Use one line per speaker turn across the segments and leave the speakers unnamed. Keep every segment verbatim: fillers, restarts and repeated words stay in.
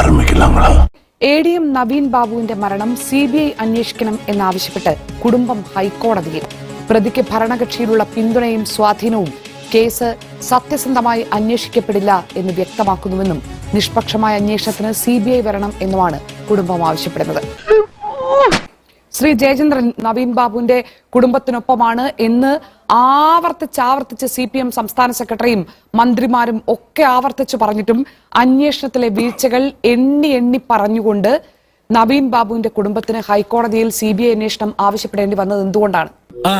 A D M Naveen ബാബുവിന്റെ മരണം C B I അന്വേഷിക്കണം എന്നാവശ്യപ്പെട്ട് കുടുംബം ഹൈക്കോടതിയിൽ. പ്രതിക്ക് ഭരണകക്ഷിയിലുള്ള പിന്തുണയും സ്വാധീനവും കേസ് സത്യസന്ധമായി അന്വേഷിക്കപ്പെടില്ല എന്ന് വ്യക്തമാക്കുന്നുവെന്നും നിഷ്പക്ഷമായ അന്വേഷണത്തിന് സി ബി ഐ വരണം എന്നുമാണ് കുടുംബം ആവശ്യപ്പെടുന്നത്. ശ്രീ ജയചന്ദ്രൻ നവീൻ ബാബുവിന്റെ കുടുംബത്തിനൊപ്പമാണ് എന്ന് ആവർത്തിച്ച് ആവർത്തിച്ച് സി പി എം സംസ്ഥാന സെക്രട്ടറിയും മന്ത്രിമാരും ഒക്കെ ആവർത്തിച്ച് പറഞ്ഞിട്ടും അന്വേഷണത്തിലെ വീഴ്ചകൾ എണ്ണി എണ്ണി പറഞ്ഞുകൊണ്ട് നവീൻ ബാബുവിന്റെ കുടുംബത്തിന് ഹൈക്കോടതിയിൽ സി ബി ഐ അന്വേഷണം ആവശ്യപ്പെടേണ്ടി വന്നത് എന്തുകൊണ്ടാണ്?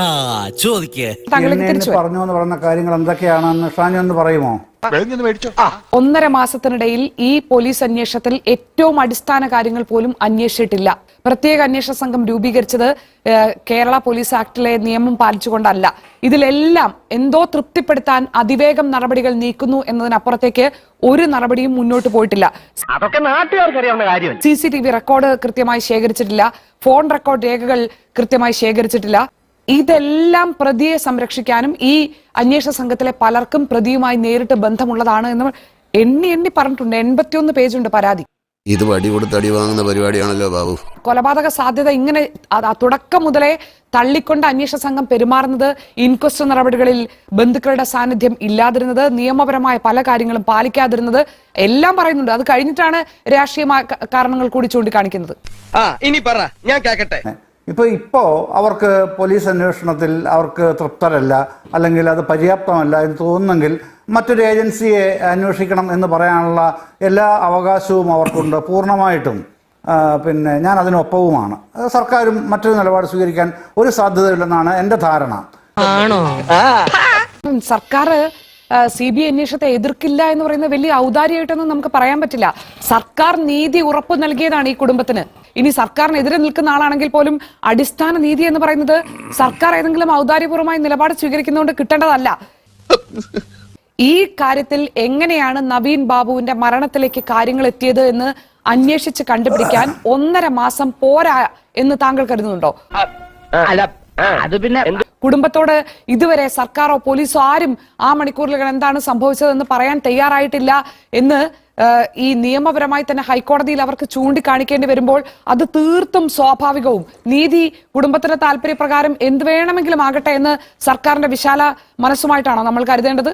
പറഞ്ഞു എന്ന് പറയുന്ന കാര്യങ്ങൾ എന്തൊക്കെയാണെന്ന് ഷാനി ഒന്ന് പറയുമോ?
ഒന്നര മാസത്തിനിടയിൽ ഈ പോലീസ് അന്വേഷണത്തിൽ ഏറ്റവും അടിസ്ഥാന കാര്യങ്ങൾ പോലും അന്വേഷിച്ചിട്ടില്ല. പ്രത്യേക അന്വേഷണ സംഘം രൂപീകരിച്ചത് കേരള പോലീസ് ആക്ടിലെ നിയമം പാലിച്ചുകൊണ്ടല്ല. ഇതിലെല്ലാം എന്തോ തൃപ്തിപ്പെടുത്താൻ അതിവേഗം നടപടികൾ നീക്കുന്നു എന്നതിനപ്പുറത്തേക്ക് ഒരു നടപടിയും മുന്നോട്ട് പോയിട്ടില്ല. C C T V record കൃത്യമായി ശേഖരിച്ചിട്ടില്ല, ഫോൺ റെക്കോർഡ് രേഖകൾ കൃത്യമായി ശേഖരിച്ചിട്ടില്ല. ഇതെല്ലാം പ്രതിയെ സംരക്ഷിക്കാനും ഈ അന്വേഷണ സംഘത്തിലെ പലർക്കും പ്രതിയുമായി നേരിട്ട് ബന്ധമുള്ളതാണ് എന്ന് എണ്ണി എണ്ണി പറഞ്ഞിട്ടുണ്ട്. എൺപത്തിയൊന്ന് പേജുണ്ട് പരാതി.
ഇത് വടി കൊടുത്ത് അടി വാങ്ങുന്ന പരിപാടിയാണല്ലോ ബാബു.
കൊലപാതക സാധ്യത ഇങ്ങനെ തുടക്കം മുതലേ തള്ളിക്കൊണ്ട് അന്വേഷണ സംഘം പെരുമാറുന്നത്, ഇൻക്വസ്റ്റ് നടപടികളിൽ ബന്ധുക്കളുടെ സാന്നിധ്യം ഇല്ലാതിരുന്നത്, നിയമപരമായ പല കാര്യങ്ങളും പാലിക്കാതിരുന്നത് എല്ലാം പറയുന്നുണ്ട്. അത് കഴിഞ്ഞിട്ടാണ് രാഷ്ട്രീയ കാരണങ്ങൾ കൂടി ചൂണ്ടിക്കാണിക്കുന്നത്.
ഇനി പറ, ഞാൻ കേൾക്കട്ടെ.
ഇപ്പോൾ ഇപ്പോൾ അവർക്ക് പോലീസ് അന്വേഷണത്തിൽ അവർക്ക് തൃപ്തരല്ല, അല്ലെങ്കിൽ അത് പര്യാപ്തമല്ല എന്ന് തോന്നുന്നെങ്കിൽ മറ്റൊരു ഏജൻസിയെ അന്വേഷിക്കണം എന്ന് പറയാനുള്ള എല്ലാ അവകാശവും അവർക്കുണ്ട്, പൂർണ്ണമായിട്ടും. പിന്നെ ഞാൻ അതിനൊപ്പവുമാണ്. സർക്കാരും മറ്റൊരു നിലപാട് സ്വീകരിക്കാൻ ഒരു സാധ്യതയില്ലെന്നാണ് എൻ്റെ ധാരണ.
സർക്കാർ സി ബി ഐ അന്വേഷണത്തെ എതിർക്കില്ല എന്ന് പറയുന്നത് വലിയ ഔദാര്യമായിട്ടൊന്നും നമുക്ക് പറയാൻ പറ്റില്ല. സർക്കാർ നീതി ഉറപ്പു നൽകിയതാണ് ഈ കുടുംബത്തിന്. ഇനി സർക്കാരിനെതിരെ നിൽക്കുന്ന ആളാണെങ്കിൽ പോലും അടിസ്ഥാന നീതി എന്ന് പറയുന്നത് സർക്കാർ ഏതെങ്കിലും ഔദാര്യപൂർവ്വമായ നിലപാട് സ്വീകരിക്കുന്നതുകൊണ്ട് കിട്ടേണ്ടതല്ല. ഈ കാര്യത്തിൽ എങ്ങനെയാണ് നവീൻ ബാബുവിന്റെ മരണത്തിലേക്ക് കാര്യങ്ങൾ എത്തിയത് എന്ന് അന്വേഷിച്ച് കണ്ടുപിടിക്കാൻ ഒന്നര മാസം പോരാ എന്ന് താങ്കൾ കരുതുന്നുണ്ടോ?
അത് പിന്നെ
കുടുംബത്തോട് ഇതുവരെ സർക്കാരോ പോലീസോ ആരും ആ മണിക്കൂറുകൾ എന്താണ് സംഭവിച്ചതെന്ന് പറയാൻ തയ്യാറായിട്ടില്ല എന്ന് ഈ നിയമപരമായി തന്നെ ഹൈക്കോടതിയിൽ അവർക്ക് ചൂണ്ടിക്കാണിക്കേണ്ടി വരുമ്പോൾ അത് തീർത്തും സ്വാഭാവികവും നീതി കുടുംബത്തിന്റെ താല്പര്യപ്രകാരം എന്ത് വേണമെങ്കിലും ആകട്ടെ എന്ന് സർക്കാരിന്റെ വിശാല മനസ്സുമായിട്ടാണോ നമ്മൾ കരുതേണ്ടത്?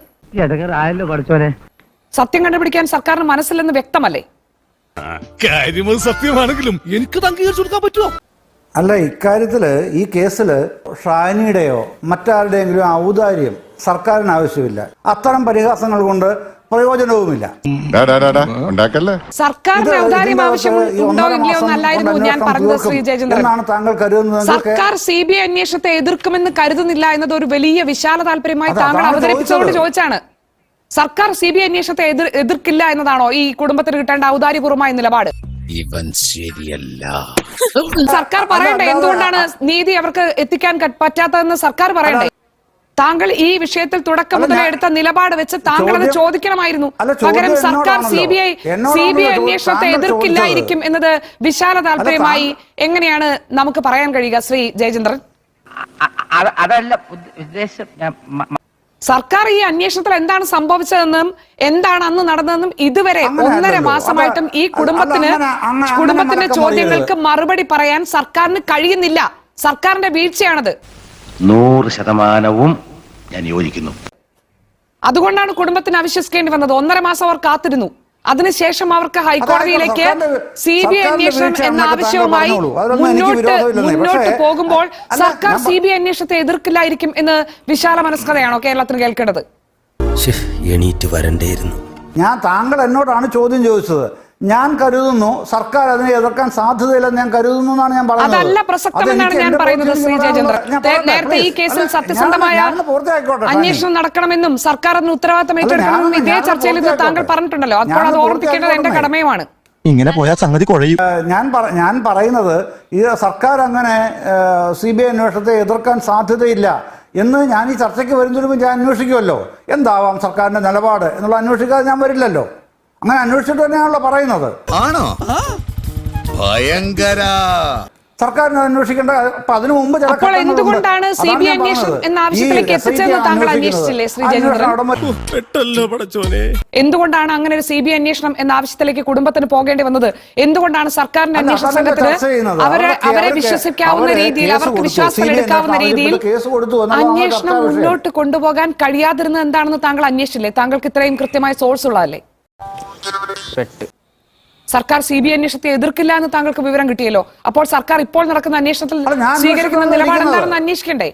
സത്യം കണ്ടുപിടിക്കാൻ സർക്കാരിന് മനസ്സിലെന്ന് വ്യക്തമല്ലേ?
സത്യമാണെങ്കിലും എനിക്ക് അംഗീകരിച്ചു കൊടുക്കാൻ പറ്റുമോ?
അല്ല, ഇക്കാര്യത്തില് ഈ കേസില് ഷാനിയുടെയോ മറ്റാരുടെയെങ്കിലും ഔദാര്യം സർക്കാരിന് ആവശ്യമില്ല. അത്തരം പരിഹാസങ്ങൾ കൊണ്ട് പ്രയോജനവുമില്ല.
സർക്കാരിന് ഔദാര്യം ആവശ്യമുണ്ടോ ഇല്ലയോ എന്നല്ലായിരുന്നു ഞാൻ പറഞ്ഞത് ശ്രീ ജയചന്ദ്രൻ.
താങ്കൾ കരുതുന്നത്
സർക്കാർ സി ബി ഐ അന്വേഷണത്തെ എതിർക്കുമെന്ന് കരുതുന്നില്ല എന്നത് ഒരു വലിയ വിശാല താല്പര്യമായി താങ്കൾ അവതരിപ്പിച്ചുകൊണ്ട് ചോദിച്ചാണ്. സർക്കാർ സി ബി ഐ അന്വേഷണത്തെ എതിർ എതിർക്കില്ല എന്നതാണോ ഈ കുടുംബത്തിന് കിട്ടേണ്ട ഔദാര്യപൂർവമായ നിലപാട്?
ഇവൻ ശരിയല്ല.
സർക്കാർ പറയണ്ടേ എന്തുകൊണ്ടാണ് നീതി അവർക്ക് എത്തിക്കാൻ പറ്റാത്തതെന്ന് സർക്കാർ പറയണ്ടേ? താങ്കൾ ഈ വിഷയത്തിൽ തുടക്കം മുതൽ എടുത്ത നിലപാട് വെച്ച് താങ്കൾ അത് ചോദിക്കണമായിരുന്നു. പകരം സർക്കാർ C B I C B I അന്വേഷണത്തെ എതിർക്കില്ലായിരിക്കും എന്നത് വിശാല താല്പര്യമായി എങ്ങനെയാണ് നമുക്ക് പറയാൻ കഴിയുക ശ്രീ ജയചന്ദ്രൻ?
അതല്ല ഉദ്ദേശം.
സർക്കാർ ഈ അന്വേഷണത്തിൽ എന്താണ് സംഭവിച്ചതെന്നും എന്താണ് അന്ന് നടന്നതെന്നും ഇതുവരെ ഒന്നര മാസമായിട്ടും ഈ കുടുംബത്തിന് കുടുംബത്തിന്റെ ചോദ്യങ്ങൾക്ക് മറുപടി പറയാൻ സർക്കാരിന് കഴിയുന്നില്ല. സർക്കാരിന്റെ വീഴ്ചയാണത്.
നൂറ് ശതമാനവും ഞാൻ യോജിക്കുന്നു.
അതുകൊണ്ടാണ് കുടുംബത്തിന് അവിശ്വസിക്കേണ്ടി വന്നത്. ഒന്നര മാസം അവർ കാത്തിരുന്നു. അതിനുശേഷം അവർക്ക് ഹൈക്കോടതിയിലേക്ക് സി ബി ഐ അന്വേഷണം എന്ന ആവശ്യവുമായി മുന്നോട്ട് മുന്നോട്ട് പോകുമ്പോൾ സർക്കാർ സി ബി ഐ അന്വേഷണത്തെ എതിർക്കില്ലായിരിക്കും എന്ന് വിശാല മനസ്കതയാണോ കേരളത്തിന് കേൾക്കേണ്ടത്?
എണീറ്റ് വരണ്ടേയിരുന്നു.
ഞാൻ താങ്കൾ എന്നോടാണ് ചോദ്യം ചോദിച്ചത്. ഞാൻ കരുതുന്നു സർക്കാർ അതിനെ എതിർക്കാൻ സാധ്യതയില്ലെന്ന് ഞാൻ കരുതുന്നു എന്നാണ് ഞാൻ പറഞ്ഞത്.
അതല്ല പ്രസക്തമെന്നാണ് ഞാൻ പറയുന്നത് ശ്രീ ജയചന്ദ്രൻ. നേരത്തെ ഈ കേസിൽ സത്യസന്ധമായ അന്വേഷണം നടക്കണമെന്നും സർക്കാർ അതിന് ഉത്തരവാദിത്തം ഏറ്റെടുക്കണമെന്നും ഇതേ ചർച്ചയിൽ ഇത് താങ്കൾ പറഞ്ഞിട്ടുണ്ടല്ലോ. അപ്പോൾ അത് ഓർമ്മിക്കേണ്ടത് എന്റെ കടമയുമാണ്.
ഇങ്ങനെ പോയാൽ സംഗതി കുഴയും.
ഞാൻ ഞാൻ പറയുന്നത് ഈ സർക്കാർ അങ്ങനെ സി ബി ഐ അന്വേഷണത്തെ എതിർക്കാൻ സാധ്യതയില്ല എന്ന് ഞാൻ ഈ ചർച്ചയ്ക്ക് വരുന്നതിന് മുമ്പ് ഞാൻ അന്വേഷിക്കുമല്ലോ. എന്താവാം സർക്കാരിന്റെ നിലപാട് എന്നുള്ള അന്വേഷിക്കാതെ ഞാൻ വരില്ലല്ലോ. അങ്ങനെ അന്വേഷിച്ചിട്ട് തന്നെയാണല്ലോ പറയുന്നത്.
ആണോ? ഭയങ്കര.
സർക്കാരിന് അന്വേഷിക്കേണ്ട. അപ്പൊ അതിനു മുമ്പ് ചില
അപ്പോൾ
ഘട്ടങ്ങളുണ്ട്.
എന്തുകൊണ്ടാണ് സി
അതാണ്
ബി ഐ
ഞാൻ
അന്വേഷണം
പറഞ്ഞത്.
എന്ന
ഈ
ആവശ്യത്തിലേക്ക്
എസ് ഐ ടി
എത്തിച്ചതെന്ന് താങ്കൾ
അന്വേഷിക്കുന്നത്.
അന്വേഷിച്ചില്ലേ ശ്രീ
അന്വേഷണം
ജയചന്ദ്രൻ?
അവിടെ മറ്റ്
പെട്ടല്ലോ പടച്ചോനെ.
എന്തുകൊണ്ടാണ് അങ്ങനെ ഒരു സി ബി ഐ അന്വേഷണം എന്ന ആവശ്യത്തിലേക്ക് കുടുംബത്തിന് പോകേണ്ടി വന്നത്? എന്തുകൊണ്ടാണ് സർക്കാരിന്റെ
അല്ല,
അന്വേഷണ
അതല്ല
സംഘത്തിന്
ചർച്ച ചെയ്യുന്നത്.
അവരെ
അവർക്ക്
അവരെ
അവർക്ക്
വിശ്വസിക്കാവുന്ന
അവരെ
രീതിയിൽ
കേസ്
അവർക്ക്
കൊടുത്തു.
വിശ്വാസത്തിൽ
സി ബി ഐ
എടുക്കാവുന്ന
ആവശ്യപ്പെട്ട്
രീതിയിൽ
കേസ് കൊടുത്തു എന്നുള്ളതാണ്
അന്വേഷണം
ചർച്ചാ വിഷയം.
മുന്നോട്ട് കൊണ്ടുപോകാൻ കഴിയാതിരുന്നത് എന്താണെന്ന് താങ്കൾ അന്വേഷിച്ചില്ലേ? താങ്കൾക്ക് ഇത്രയും കൃത്യമായ സോഴ്സ് ഉള്ളതല്ലേ? സർക്കാർ സി ബി ഐ അന്വേഷണത്തെ എതിർക്കില്ല എന്ന് താങ്കൾക്ക് വിവരം കിട്ടിയല്ലോ. അപ്പോൾ സർക്കാർ ഇപ്പോൾ നടക്കുന്ന അന്വേഷണത്തിൽ
അല്ല, ഞാൻ
സ്വീകരിക്കുന്ന
അന്വേഷണം
നിലപാട്
നടത്തുന്നത്.
എന്താണെന്ന് അന്വേഷിക്കണ്ടേ?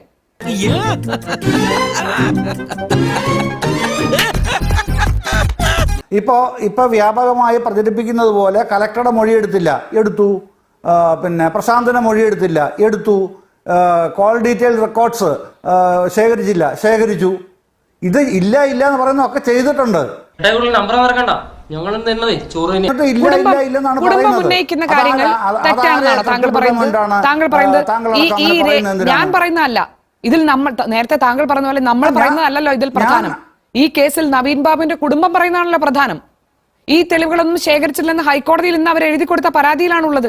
ഇപ്പോ ഇപ്പൊ വ്യാപകമായി പ്രചരിപ്പിക്കുന്നത് പോലെ കലക്ടറുടെ മൊഴിയെടുത്തില്ല, എടുത്തു. ആ, പിന്നെ പ്രശാന്തന്റെ മൊഴിയെടുത്തില്ല, എടുത്തു. കോൾ ഡീറ്റെയിൽ റെക്കോർഡ്സ് ശേഖരിച്ചില്ല, ശേഖരിച്ചു. ഇത് ഇല്ല ഇല്ല എന്ന് പറയുന്നതൊക്കെ ചെയ്തിട്ടുണ്ട്.
നമ്പർ മറക്കണ്ട, ഞങ്ങൾ തന്നതേ ചോറ് തന്നെ.
എന്നിട്ട് ഇല്ല ഇല്ല ഇല്ലെന്നാണ്
കുടുംബം
പറയുന്നത്.
ഉന്നയിക്കുന്ന
അതാ-
കാര്യങ്ങൾ
അതാ-
തെറ്റാണെന്നാണ് താങ്കൾ പറയുന്നത്.
അതാ-
താങ്കൾ പറയുന്നത്
താങ്കൾ
ഈ
അങ്ങനെ
ഈ രേ-
പറയുന്നത് എന്തിനാണ്?
ഞാൻ പറയുന്നതല്ല. ഇതിൽ നമ്മൾ നേരത്തെ താങ്കൾ പറഞ്ഞ പോലെ നമ്മൾ
ഞാൻ-
പറയുന്നതല്ലല്ലോ ഇതിൽ പ്രധാനം. ഈ കേസിൽ നവീൻ ബാബുവിന്റെ കുടുംബം പറയുന്നതാണല്ലോ പ്രധാനം. ഈ തെളിവുകളൊന്നും ശേഖരിച്ചില്ലെന്ന് ഹൈക്കോടതിയിൽ ഇന്ന് അവർ എഴുതി കൊടുത്ത പരാതിയിലാണുള്ളത്.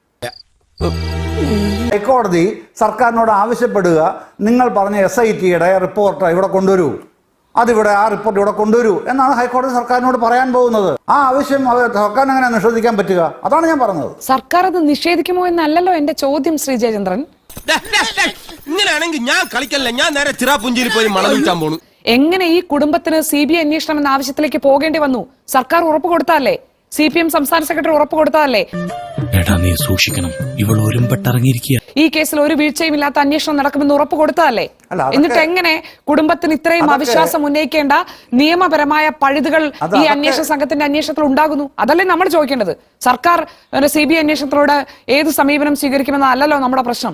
ഹൈക്കോടതി സർക്കാരിനോട് ആവശ്യപ്പെടുക, നിങ്ങൾ പറഞ്ഞ എസ് ഐ ടിയുടെ റിപ്പോർട്ട് ഇവിടെ കൊണ്ടുവരൂ, അതിവിടെ ആ റിപ്പോർട്ട് ഇവിടെ കൊണ്ടുവരൂ എന്നാണ് ഹൈക്കോടതി സർക്കാരിനോട് പറയാൻ പോകുന്നത്. ആ ആവശ്യം സർക്കാരിന് എങ്ങനെ നിഷേധിക്കാൻ പറ്റുക? അതാണ് ഞാൻ പറഞ്ഞത്.
സർക്കാർ അത് നിഷേധിക്കുമോ എന്നല്ലല്ലോ എന്റെ ചോദ്യം ശ്രീ ജയചന്ദ്രൻ.
ഇങ്ങനെയാണെങ്കിൽ ഞാൻ കളിക്കല്ല, ഞാൻ നേരെ ചിറാപുഞ്ചിയിൽ പോയി മണം വിൽക്കാൻ പോണു.
എങ്ങനെ ഈ കുടുംബത്തിന് സി ബി ഐ അന്വേഷണം എന്ന ആവശ്യത്തിലേക്ക് പോകേണ്ടി വന്നു? സർക്കാർ ഉറപ്പ് കൊടുത്താലേ, സി പി എം സംസ്ഥാന സെക്രട്ടറി ഉറപ്പ് കൊടുത്താലേ.
എടാ നീ സൂക്ഷിക്കണം, ഇവൾ ഒരുമ്പെട്ടിറങ്ങിയിരിക്കുക.
ഈ കേസിൽ ഒരു വീഴ്ചയും ഇല്ലാത്ത അന്വേഷണം നടക്കുമെന്ന് ഉറപ്പ് കൊടുത്തതല്ലേ?
അല്ല, അതൊക്കെ-
എന്നിട്ട് എങ്ങനെ കുടുംബത്തിന് ഇത്രയും
അതൊക്കെ-
അവിശ്വാസം ഉന്നയിക്കേണ്ട നിയമപരമായ പഴുതുകൾ
അത്
ഈ
അതൊക്കെ-
അന്വേഷണ സംഘത്തിന്റെ അന്വേഷണത്തിൽ ഉണ്ടാകുന്നു? അതല്ലേ നമ്മൾ ചോദിക്കേണ്ടത്. സർക്കാർ സി ബി ഐ അന്വേഷണത്തിലൂടെ ഏത് സമീപനം സ്വീകരിക്കുമെന്നല്ലല്ലോ നമ്മുടെ പ്രശ്നം.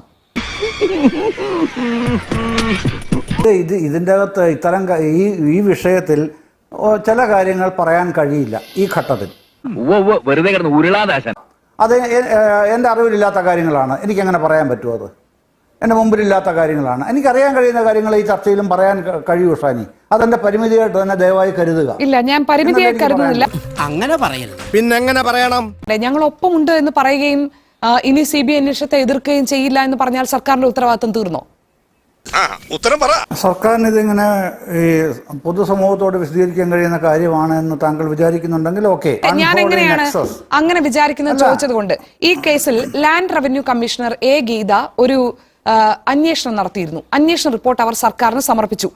ഇത് ഇത് ഇതിൻ്റെ അകത്ത് ഇത്തരം ക- ഈ ഈ വിഷയത്തിൽ ഓ, ചില കാര്യങ്ങൾ പറയാൻ കഴിയില്ല ഈ ഘട്ടത്തിൽ.
വെറുതെ കിടന്ന് ഉരുളാദാശൻ.
അത് എ- ഏ- എൻ്റെ അറിവിലില്ലാത്ത കാര്യങ്ങളാണ്. എനിക്കങ്ങനെ പറയാൻ പറ്റുമോ? അത് എൻ്റെ മുമ്പിലില്ലാത്ത കാര്യങ്ങളാണ്. എനിക്കറിയാൻ കഴിയുന്ന കാര്യങ്ങൾ ഈ ചർച്ചയിലും പറയാൻ ക- കഴിയൂ ഷാനി. അതെൻ്റെ പരിമിതിയായിട്ട് തന്നെ ദയവായി കരുതുക.
ഇല്ല, ഞാൻ പരിമിതിയായി
എന്നല്ലേ എനിക്ക്
കരുതുന്നില്ല.
അങ്ങനെ പറയരുത്.
പിന്നെങ്ങനെ പറയണം?
ഞങ്ങൾ ഒപ്പമുണ്ട് എന്ന് പറയുകയും ആ, ഇനി സി ബി ഐ അന്വേഷണത്തെ എതിർക്കുകയും ചെയ്യില്ല എന്ന് പറഞ്ഞാൽ സർക്കാരിന്റെ ഉത്തരവാദിത്വം തീർന്നോ?
ഉത്തരം പറ.
സർക്കാരിന് ഇതിങ്ങനെ ഈ പൊതുസമൂഹത്തോട് വിശദീകരിക്കാൻ കഴിയുന്ന കാര്യമാണ് എന്ന് താങ്കൾ വിചാരിക്കുന്നുണ്ടെങ്കിൽ ഓക്കെ.
ഞാൻ എങ്ങനെയാണ് അങ്ങനെ വിചാരിക്കുന്നത് ചോദിച്ചത് കൊണ്ട്, ഈ കേസിൽ land revenue commissioner A Geetha ഒരു ആ, അന്വേഷണം നടത്തിയിരുന്നു. അന്വേഷണ റിപ്പോർട്ട് അവർ സർക്കാരിന് സമർപ്പിച്ചു.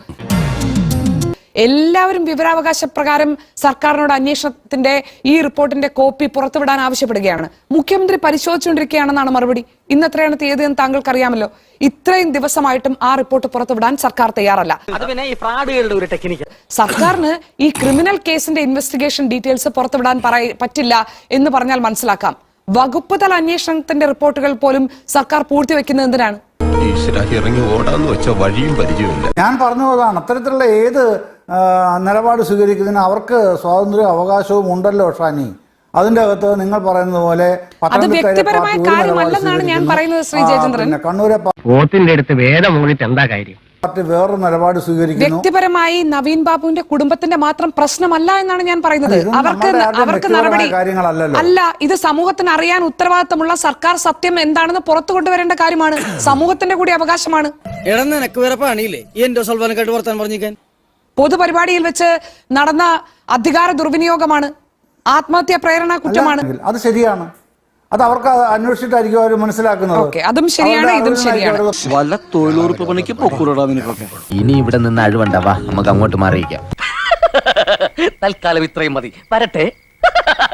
എല്ലാവരും വിവരാവകാശ പ്രകാരം സർക്കാരിനോട് അന്വേഷണത്തിന്റെ ഈ റിപ്പോർട്ടിന്റെ കോപ്പി പുറത്തുവിടാൻ ആവശ്യപ്പെടുകയാണ്. മുഖ്യമന്ത്രി പരിശോധിച്ചുകൊണ്ടിരിക്കുകയാണെന്നാണ് മറുപടി. ഇന്ന് എത്രയാണ് തീയതി എന്ന് താങ്കൾക്ക് അറിയാമല്ലോ. ഇത്രയും ദിവസമായിട്ടും ആ റിപ്പോർട്ട് പുറത്തുവിടാൻ സർക്കാർ തയ്യാറല്ല.
അത് പിന്നെ ഈ ഫ്രോഡുകളുടെ ഒരു ടെക്നിക്ക്.
സർക്കാരിന് ഈ ക്രിമിനൽ കേസിന്റെ ഇൻവെസ്റ്റിഗേഷൻ ഡീറ്റെയിൽസ് പുറത്തുവിടാൻ പറയ പറ്റില്ല എന്ന് പറഞ്ഞാൽ മനസ്സിലാക്കാം. വകുപ്പ് തല അന്വേഷണത്തിന്റെ റിപ്പോർട്ടുകൾ പോലും സർക്കാർ പൂഴ്ത്തിവെക്കുന്നത് എന്തിനാണ്?
ഇറങ്ങി ഓടാന്ന് വെച്ച വഴിയും പരിചയമില്ല.
ഞാൻ പറഞ്ഞു അതാണ്. അത്തരത്തിലുള്ള ഏത് ആ, നിലപാട് സ്വീകരിക്കുന്നതിന് അവർക്ക് സ്വാതന്ത്ര്യവും അവകാശവും ഉണ്ടല്ലോ ഷാനി. അതിന്റെ അകത്ത് നിങ്ങൾ പറയുന്നത് പോലെ പത്തനംതിട്ടയിലെ
വ്യക്തിപരമായ
പാർട്ടി ഒരു നിലപാട്
കാര്യമല്ലെന്നാണ് ഞാൻ
സ്വീകരിക്കുന്നു.
പറയുന്നത് ശ്രീ
ആ,
ജയചന്ദ്രൻ.
പിന്നെ കണ്ണൂരെ
പോത്തിന്റെ അടുത്ത് വേദം മൂന്നിട്ട് എന്താ കാര്യം?
പാർട്ടി വേറൊരു നിലപാട് സ്വീകരിക്കുന്നു.
വ്യക്തിപരമായി നവീൻ ബാബുവിന്റെ കുടുംബത്തിന്റെ മാത്രം പ്രശ്നമല്ല എന്നാണ് ഞാൻ പറയുന്നത്.
ഇതൊന്നും
അവർക്ക്
നമ്മുടെ ആരുടെയും
അവർക്ക്
വ്യക്തിപരമായ
നടപടി
കാര്യങ്ങളല്ലല്ലോ.
അല്ല, ഇത് സമൂഹത്തിന് അറിയാൻ ഉത്തരവാദിത്തമുള്ള സർക്കാർ സത്യം എന്താണെന്ന് പുറത്തു കൊണ്ടുവരേണ്ട കാര്യമാണ്. സമൂഹത്തിന്റെ കൂടി അവകാശമാണ്.
എടാ നിനക്ക് വേറെ പണിയില്ലേ ഈ എന്റെ സൽവാനക്കായിട്ട് വർത്താൻ പറഞ്ഞിരിക്കാൻ?
പൊതുപരിപാടിയിൽ വെച്ച് നടന്ന അധികാര ദുർവിനിയോഗമാണ്, ആത്മഹത്യാ പ്രേരണ കുറ്റമാണ്.
അല്ലെങ്കിൽ അത് ശരിയാണ്. അത് അവർക്ക് അന്വേഷിച്ചിട്ടായിരിക്കും അവർ മനസ്സിലാക്കുന്നത്.
ഓക്കെ, അതും ശരിയാണ്,
അവരുടെ
ഇതും ശരിയാണ്.
അറിവിനായിരിക്കും
വല്ല തൊഴിലുറപ്പ് പണിക്ക് പൊക്കൂടാ നിനക്കൊക്കെ.
ഇനി ഇവിടെ നിന്ന് അഴിവണ്ടാവാ, നമുക്ക് അങ്ങോട്ട് മാറിയിക്കാം.
തൽക്കാലം ഇത്രയും മതി. വരട്ടെ.